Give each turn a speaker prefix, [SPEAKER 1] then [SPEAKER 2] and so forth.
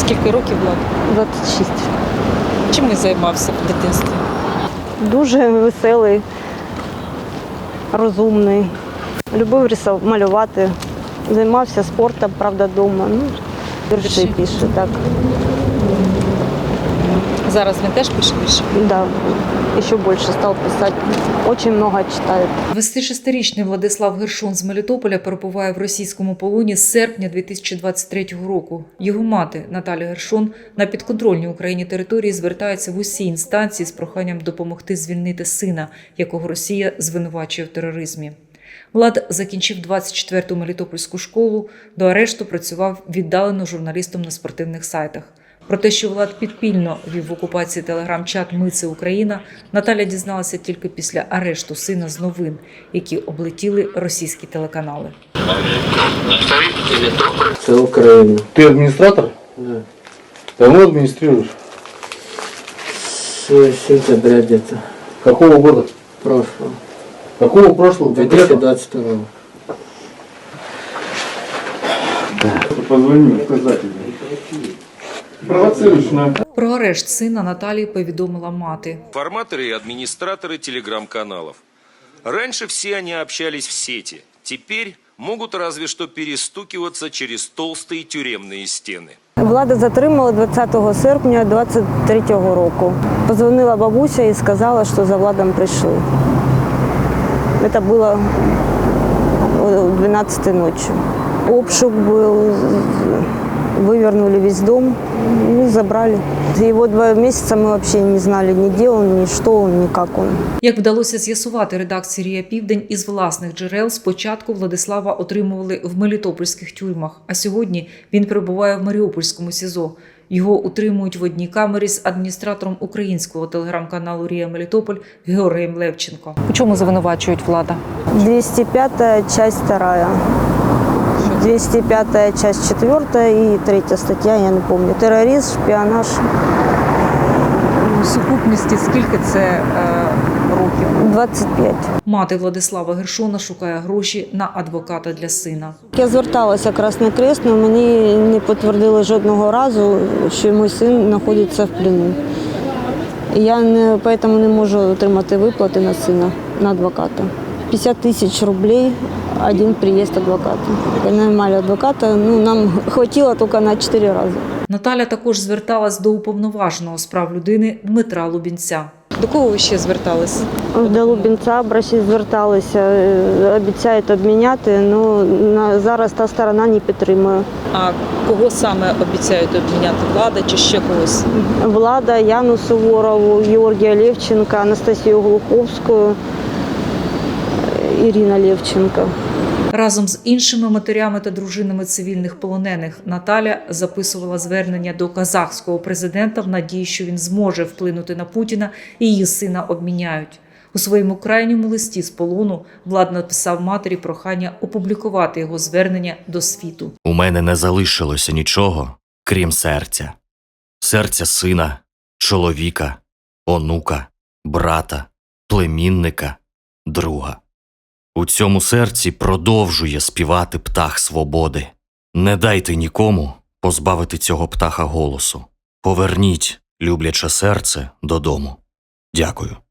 [SPEAKER 1] Скільки років Влад?
[SPEAKER 2] 26.
[SPEAKER 1] Чим він займався в дитинстві?
[SPEAKER 2] Дуже веселий, розумний. Любив малювати, займався спортом, правда, вдома. Вірші пише, так.
[SPEAKER 1] Зараз він теж пише вірші?
[SPEAKER 2] Да, ще більше став писати. Дуже багато читає.
[SPEAKER 3] 26-річний Владислав Гершон з Мелітополя перебуває в російському полоні з серпня 2023 року. Його мати Наталя Гершон на підконтрольній Україні території звертається в усі інстанції з проханням допомогти звільнити сина, якого Росія звинувачує в тероризмі. Влад закінчив 24-ту Мелітопольську школу, до арешту працював віддалено журналістом на спортивних сайтах. Про те, що Влад підпільно вів в окупації телеграм-чат «Ми – це Україна», Наталя дізналася тільки після арешту сина з новин, які облетіли російські телеканали.
[SPEAKER 4] Це Україна.
[SPEAKER 5] Ты администратор?
[SPEAKER 4] Да.
[SPEAKER 5] Давно администрируешь?
[SPEAKER 4] С сентября где-то.
[SPEAKER 5] Какого года?
[SPEAKER 4] Прошлого.
[SPEAKER 5] Какого прошлого?
[SPEAKER 4] 2022.
[SPEAKER 5] Позвони, сказать. Провоцируешь на...
[SPEAKER 3] Про арешт сина Наталії повідомила мати.
[SPEAKER 6] Форматоры и администраторы телеграм-каналов. Раньше все они общались в сети. Теперь могут разве что перестукиваться через толстые тюремные стены.
[SPEAKER 2] Влада затримали 20 серпня 2023 року. Позвонила бабуся і сказала, що за Владом прийшли. Це було о 12 ночі. Обшук був, вывернули весь дом, забрали. Его 2 месяца мы вообще не знали, ни где он, ни что он, ни как он.
[SPEAKER 3] Як вдалося з'ясувати редакції «Рія Південь» із власних джерел, спочатку Владислава отримували в мелітопольських тюрмах, а сьогодні він перебуває в Маріупольському СІЗО. Його утримують в одній камері з адміністратором українського телеграм-каналу «Рія Мелітополь» Георгієм Левченко.
[SPEAKER 1] У чому звинувачують Влада?
[SPEAKER 2] 205 часть 2. 205 часть 4 и 3 статья, я не помню. Терроризм, шпионаж.
[SPEAKER 1] У сукупності скільки це років?
[SPEAKER 2] 25.
[SPEAKER 3] Мати Владислава Гершона шукає гроші на адвоката для сина.
[SPEAKER 2] Я зверталася в Красний Хрест, але мені не підтвердили жодного разу, що мій син знаходиться в плену. Я тому не можу отримати виплати на сина, на адвоката. 50 тисяч рублей один приїзд адвоката. Наймали адвоката, нам хватило тільки на 4 рази.
[SPEAKER 3] Наталя також зверталась до уповноваженого з прав людини Дмитра Лубінця.
[SPEAKER 1] До кого ви ще звертались?
[SPEAKER 2] До Лубінця зверталися, обіцяють обміняти, але зараз та сторона не підтримує.
[SPEAKER 1] А кого саме обіцяють обміняти? Влада чи ще когось?
[SPEAKER 2] Влада, Яну Суворову, Георгія Левченка, Анастасію Глуховську, Ірина Левченко.
[SPEAKER 3] Разом з іншими матерями та дружинами цивільних полонених Наталя записувала звернення до казахського президента в надії, що він зможе вплинути на Путіна і її сина обміняють. У своєму крайньому листі з полону Влад написав матері прохання опублікувати його звернення до світу.
[SPEAKER 7] У мене не залишилося нічого, крім серця. Серця сина, чоловіка, онука, брата, племінника, друга. У цьому серці продовжує співати птах свободи. Не дайте нікому позбавити цього птаха голосу. Поверніть любляче серце додому. Дякую.